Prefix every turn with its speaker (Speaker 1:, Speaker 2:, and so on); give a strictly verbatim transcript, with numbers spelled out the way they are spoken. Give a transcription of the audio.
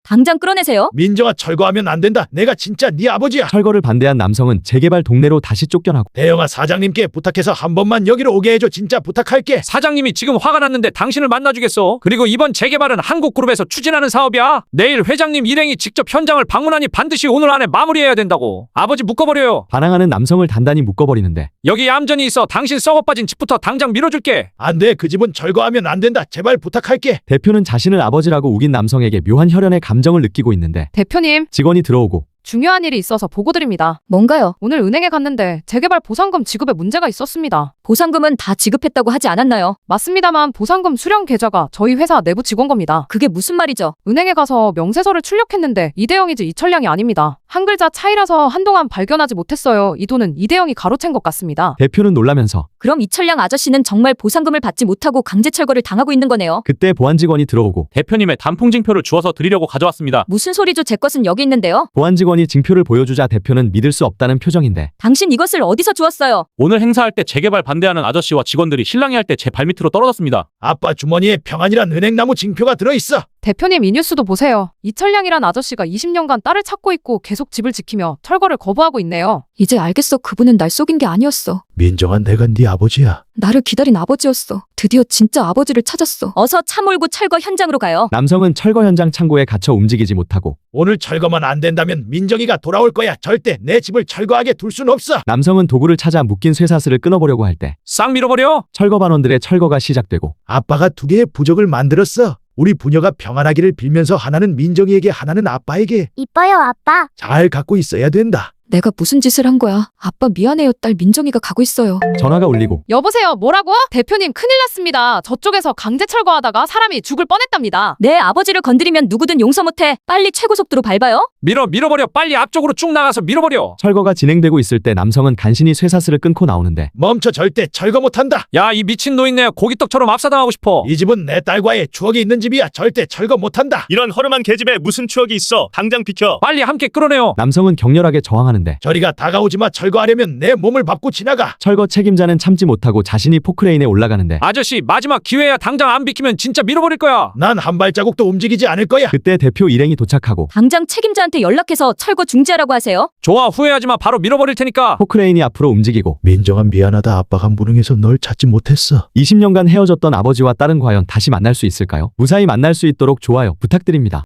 Speaker 1: 당장 끌어내세요.
Speaker 2: 민정아, 철거하면 안 된다. 내가 진짜 네 아버지야.
Speaker 3: 철거를 반대한 남성은 재개발 동네로 다시 쫓겨나고
Speaker 2: 대영아, 사장님께 부탁해서 한 번만 여기로 오게 해줘. 진짜 부탁할게.
Speaker 4: 사장님이 지금 화가 났는데 당신을 만나주겠어. 그리고 이번 재개발은 한국그룹에서 추진하는 사업이야. 내일 회장님 일행이 직접 현장을 방문하니 반드시 오늘 안에 마무리해야 된다고. 아버지 묶어버려요.
Speaker 3: 반항하는 남성을 단단히 묶어버리는데
Speaker 4: 여기 얌전히 있어. 당신 썩어빠진 집부터 당장 밀어줄게.
Speaker 2: 안 돼. 그 집은 철거하면 안 된다. 제발 부탁할게.
Speaker 3: 대표는 자신을 아버지라고 우긴 남성에게 묘한 혈연의 감정을 느끼고 있는데
Speaker 5: 대표님,
Speaker 3: 직원이 들어오고
Speaker 5: 중요한 일이 있어서 보고드립니다.
Speaker 1: 뭔가요?
Speaker 5: 오늘 은행에 갔는데 재개발 보상금 지급에 문제가 있었습니다.
Speaker 1: 보상금은 다 지급했다고 하지 않았나요?
Speaker 5: 맞습니다만 보상금 수령 계좌가 저희 회사 내부 직원 겁니다.
Speaker 1: 그게 무슨 말이죠?
Speaker 5: 은행에 가서 명세서를 출력했는데 이대영이지 이철량이 아닙니다. 한 글자 차이라서 한동안 발견하지 못했어요. 이 돈은 이대영이 가로챈 것 같습니다.
Speaker 3: 대표는 놀라면서
Speaker 1: 그럼 이철량 아저씨는 정말 보상금을 받지 못하고 강제 철거를 당하고 있는 거네요.
Speaker 3: 그때 보안 직원이 들어오고
Speaker 6: 대표님의 단풍징표를 주워서 드리려고 가져왔습니다.
Speaker 1: 무슨 소리죠? 제 것은 여기 있는데요.
Speaker 3: 보안 직원이 징표를 보여주자 대표는 믿을 수 없다는 표정인데
Speaker 1: 당신 이것을 어디서 주웠어요?
Speaker 6: 오늘 행사할 때 재개발 반대하는 아저씨와 직원들이 실랑이 할 때 제 발밑으로 떨어졌습니다.
Speaker 2: 아빠 주머니에 평안이란 은행나무 징표가 들어있어.
Speaker 5: 대표님, 이 뉴스도 보세요. 이철량이란 아저씨가 이십 년간 딸을 찾고 있고 계속 집을 지키며 철거를 거부하고 있네요.
Speaker 1: 이제 알겠어. 그분은 날 속인 게 아니었어.
Speaker 2: 민정아, 내가 네 아버지야.
Speaker 1: 나를 기다린 아버지였어. 드디어 진짜 아버지를 찾았어. 어서 차 몰고 철거 현장으로 가요.
Speaker 3: 남성은 철거 현장 창고에 갇혀 움직이지 못하고
Speaker 2: 오늘 철거만 안 된다면 민정이가 돌아올 거야. 절대 내 집을 철거하게 둘 순 없어.
Speaker 3: 남성은 도구를 찾아 묶인 쇠사슬을 끊어보려고 할 때
Speaker 4: 싹 밀어버려.
Speaker 3: 철거 반원들의 철거가 시작되고
Speaker 2: 아빠가 두 개의 부적을 만들었어. 우리 부녀가 평안하기를 빌면서 하나는 민정이에게, 하나는 아빠에게.
Speaker 7: 이뻐요, 아빠.
Speaker 2: 잘 갖고 있어야 된다.
Speaker 1: 내가 무슨 짓을 한 거야? 아빠 미안해요. 딸 민정이가 가고 있어요.
Speaker 3: 전화가 울리고
Speaker 5: 여보세요, 뭐라고? 대표님, 큰일 났습니다. 저쪽에서 강제 철거하다가 사람이 죽을 뻔했답니다.
Speaker 1: 내 아버지를 건드리면 누구든 용서 못해. 빨리 최고 속도로 밟아요.
Speaker 4: 밀어 밀어버려. 빨리 앞쪽으로 쭉 나가서 밀어버려.
Speaker 3: 철거가 진행되고 있을 때 남성은 간신히 쇠사슬을 끊고 나오는데
Speaker 2: 멈춰. 절대 철거 못한다.
Speaker 4: 야, 이 미친 노인네 고기떡처럼 압사당하고 싶어.
Speaker 2: 이 집은 내 딸과의 추억이 있는 집이야. 절대 철거 못한다.
Speaker 8: 이런 허름한 계집에 무슨 추억이 있어. 당장 비켜.
Speaker 4: 빨리 함께 끌어내요.
Speaker 3: 남성은 격렬하게 저항하는데
Speaker 2: 저리가 다가오지 마. 철거하려면 내 몸을 밟고 지나가.
Speaker 3: 철거 책임자는 참지 못하고 자신이 포크레인에 올라가는데
Speaker 4: 아저씨, 마지막 기회야. 당장 안 비키면 진짜 밀어버릴 거야.
Speaker 2: 난 한 발자국도 움직이지 않을 거야.
Speaker 3: 그때 대표 일행이 도착하고
Speaker 1: 당장 책임자한테 연락해서 철거 중지하라고 하세요.
Speaker 4: 좋아, 후회하지 마. 바로 밀어버릴 테니까.
Speaker 3: 포크레인이 앞으로 움직이고
Speaker 2: 민정아, 미안하다. 아빠가 무능해서 널 찾지 못했어.
Speaker 3: 이십 년간 헤어졌던 아버지와 딸은 과연 다시 만날 수 있을까요? 무사히 만날 수 있도록 좋아요 부탁드립니다.